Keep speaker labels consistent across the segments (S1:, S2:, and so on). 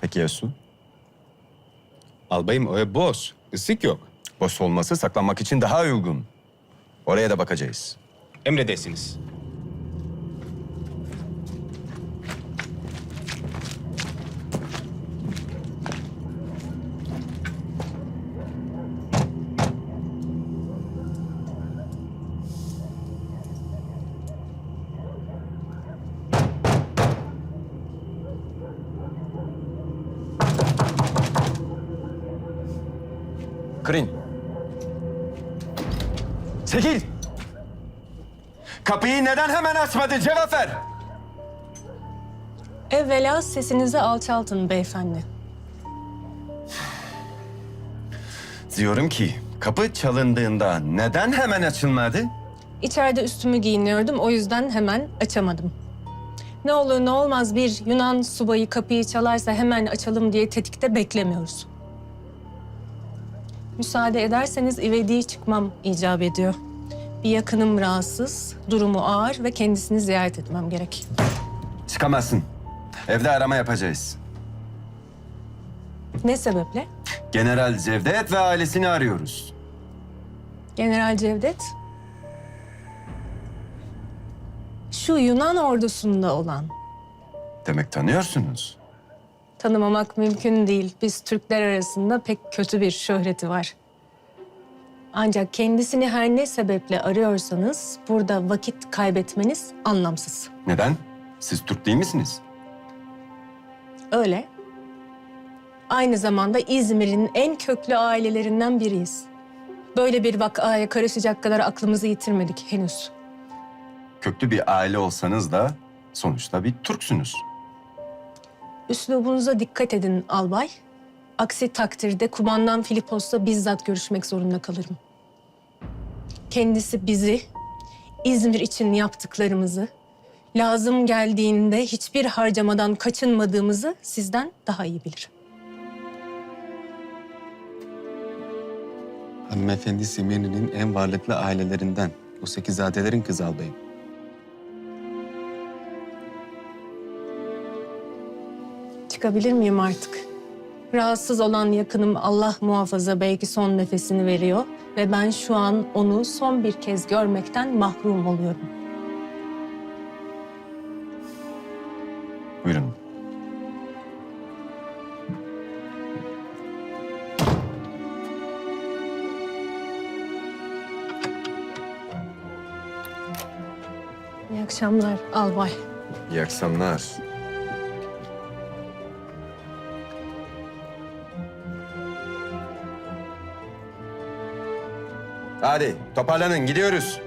S1: Peki ya su?
S2: Albayım o ev boş. Isık yok.
S1: Boş olması saklanmak için daha uygun. Oraya da bakacağız.
S2: Emredersiniz.
S1: Kırın. Çekil! Kapıyı neden hemen açmadın? Cevap ver!
S3: Evvela sesinizi alçaltın beyefendi.
S1: Diyorum ki kapı çalındığında neden hemen açılmadı?
S3: İçeride üstümü giyiniyordum, o yüzden hemen açamadım. Ne olur ne olmaz bir Yunan subayı kapıyı çalarsa hemen açalım diye tetikte beklemiyoruz. Müsaade ederseniz ivediye çıkmam icap ediyor. Bir yakınım rahatsız, durumu ağır ve kendisini ziyaret etmem gerek.
S1: Çıkamazsın. Evde arama yapacağız.
S3: Ne sebeple?
S1: General Cevdet ve ailesini arıyoruz.
S3: General Cevdet. Şu Yunan ordusunda olan.
S1: Demek tanıyorsunuz.
S3: Tanımamak mümkün değil. Biz Türkler arasında pek kötü bir şöhreti var. Ancak kendisini her ne sebeple arıyorsanız burada vakit kaybetmeniz anlamsız.
S1: Neden? Siz Türk değil misiniz?
S3: Öyle. Aynı zamanda İzmir'in en köklü ailelerinden biriyiz. Böyle bir vakaya karışacak kadar aklımızı yitirmedik henüz.
S1: Köklü bir aile olsanız da sonuçta bir Türksünüz.
S3: Üslubunuza dikkat edin albay. Aksi takdirde kumandan Filipos'la bizzat görüşmek zorunda kalırım. Kendisi bizi, İzmir için yaptıklarımızı, lazım geldiğinde hiçbir harcamadan kaçınmadığımızı sizden daha iyi bilir.
S4: Hanımefendi Simyoni'nin en varlıklı ailelerinden. O sekizadelerin kızı albayım.
S3: Çıkabilir miyim artık? Rahatsız olan yakınım Allah muhafaza belki son nefesini veriyor ve ben şu an onu son bir kez görmekten mahrum oluyorum.
S1: Buyurun.
S3: İyi akşamlar albay.
S1: İyi akşamlar. Hadi toparlanın gidiyoruz.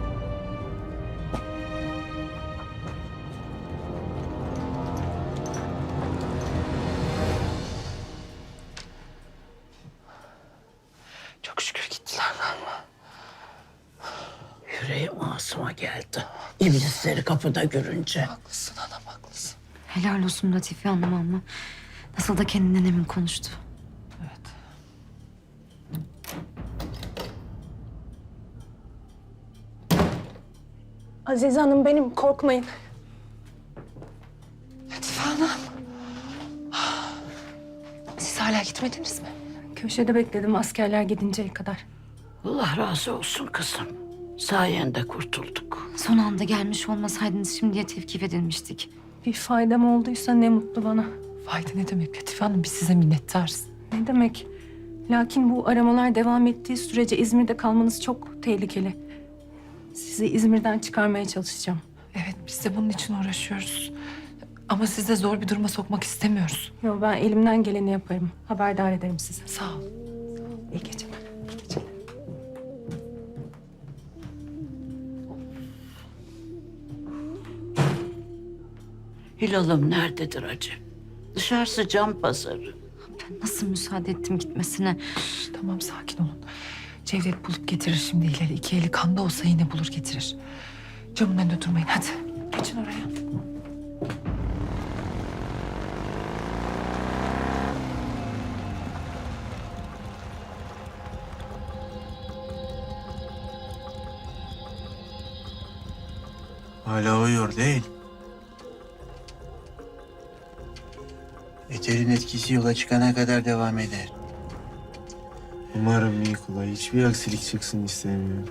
S5: Çok şükür gittiler galiba. Yüreğim ağzıma geldi. İblisleri kapıda görünce.
S6: Haklısın anam, haklısın.
S7: Helal olsun Latife Hanım ama nasıl da kendinden emin konuştu.
S6: Evet.
S3: Azize Hanım benim, korkmayın.
S6: Latife Hanım. Siz hala gitmediniz mi?
S3: Köşede bekledim askerler gidinceye kadar.
S5: Allah razı olsun kızım. Sayende kurtulduk.
S7: Son anda gelmiş olmasaydınız şimdiye tevkif edilmiştik.
S3: Bir faydam olduysa ne mutlu bana.
S6: Fayda ne demek Latife Hanım? Biz size minnettarız.
S3: Ne demek? Lakin bu aramalar devam ettiği sürece İzmir'de kalmanız çok tehlikeli. Sizi İzmir'den çıkarmaya çalışacağım.
S6: Evet, biz de bunun için uğraşıyoruz. Ama sizi de zor bir duruma sokmak istemiyoruz.
S3: Yo, ben elimden geleni yaparım. Haberdar ederim sizi.
S6: Sağ ol. İyi geceler. İyi geceler.
S5: Hilal'ım nerededir acı? Dışarısı cam pazarı.
S7: Ben nasıl müsaade ettim gitmesine?
S6: Tamam, sakin olun. Cevdet bulup getirir şimdi Hilal'i. İki eli kanda olsa yine bulur getirir. Camın önünde durmayın, hadi. Geçin oraya.
S4: Hala uyuyor değil.
S8: Eterin etkisi yola çıkana kadar devam eder.
S9: Umarım Nikola hiçbir aksilik çıksın istemiyorum.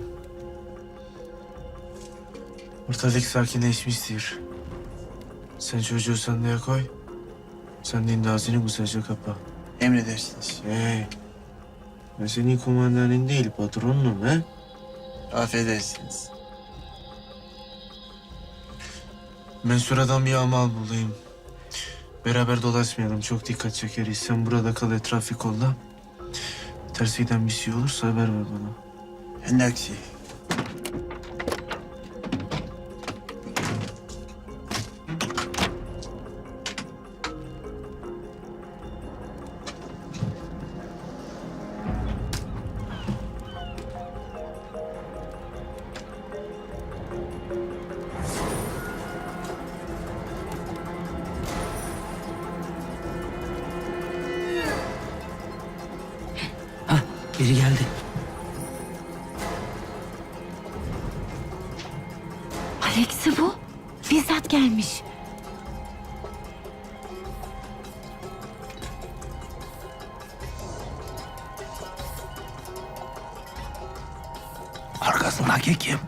S9: Ortalık sakinleşmiştir. Sen çocuğu sandığa koy. Sandığın da ağzını güzelce kapa.
S8: Emredersiniz.
S9: Hey. Ben senin kumandanın değil patronunum he?
S8: Affedersiniz.
S9: Ben sıradan bir amal bulayım. Beraber dolaşmayalım. Çok dikkat çekeriz. Sen burada kal, etrafı kolla. Tersiden bir şey olursa haber ver bana.
S8: Endaksi.
S10: Biri geldi.
S7: Alex'i bu. Bizzat gelmiş.
S10: Arkasındaki kim?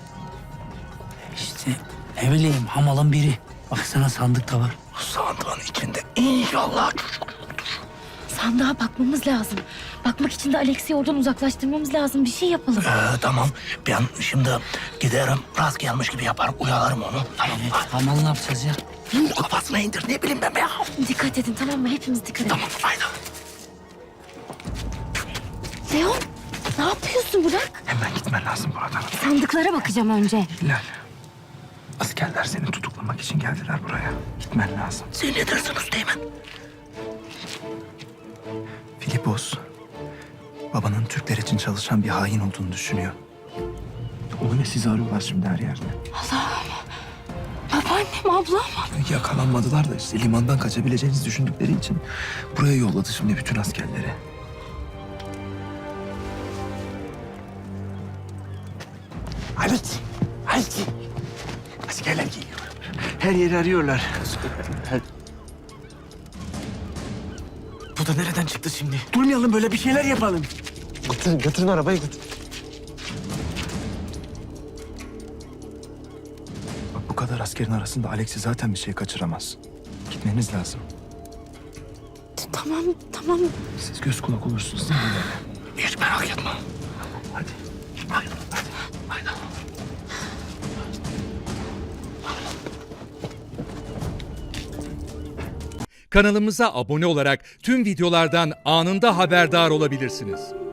S10: İşte ne bileyim hamalın biri. Baksana sandık da var. Bu sandığın içinde inşallah çocuk.
S7: Sandığa bakmamız lazım. Bakmak için de Alex'i oradan uzaklaştırmamız lazım. Bir şey yapalım.
S10: Tamam. Ben şimdi giderim. Rast gelmiş gibi yaparım. Uyalarım onu. Tamam. Evet, hamal ne yapacağız ya? Kafasına indir. Ne bileyim ben be ya.
S7: Dikkat edin tamam mı? Hepimiz dikkat edin.
S10: Tamam. Haydi.
S7: Leon ne yapıyorsun bırak?
S10: Hemen gitmen lazım buradan.
S7: Sandıklara bakacağım önce.
S10: Hilal. Askerler seni tutuklamak için geldiler buraya. Gitmen lazım. Sen ne dersin Üsteğmen? Filipos, babanın Türkler için çalışan bir hain olduğunu düşünüyor. Onu ve sizi arıyorlar şimdi her yerde.
S7: Babaannem ablam.
S10: Yakalanmadılar da işte limandan kaçabileceğinizi düşündükleri için buraya yolladı şimdi bütün askerleri. Haydi, haydi. Askerler geliyor. Her yeri arıyorlar.
S9: Bu da nereden çıktı şimdi?
S10: Durmayalım böyle bir şeyler yapalım.
S9: Götürün arabayı götür.
S10: Bak bu kadar askerin arasında Alex'i zaten bir şey kaçıramaz. Gitmeniz lazım.
S7: Tamam.
S10: Siz göz kulak olursunuz değil mi? Hiç merak etme. Hadi. Haydi. Haydi.
S11: Kanalımıza abone olarak tüm videolardan anında haberdar olabilirsiniz.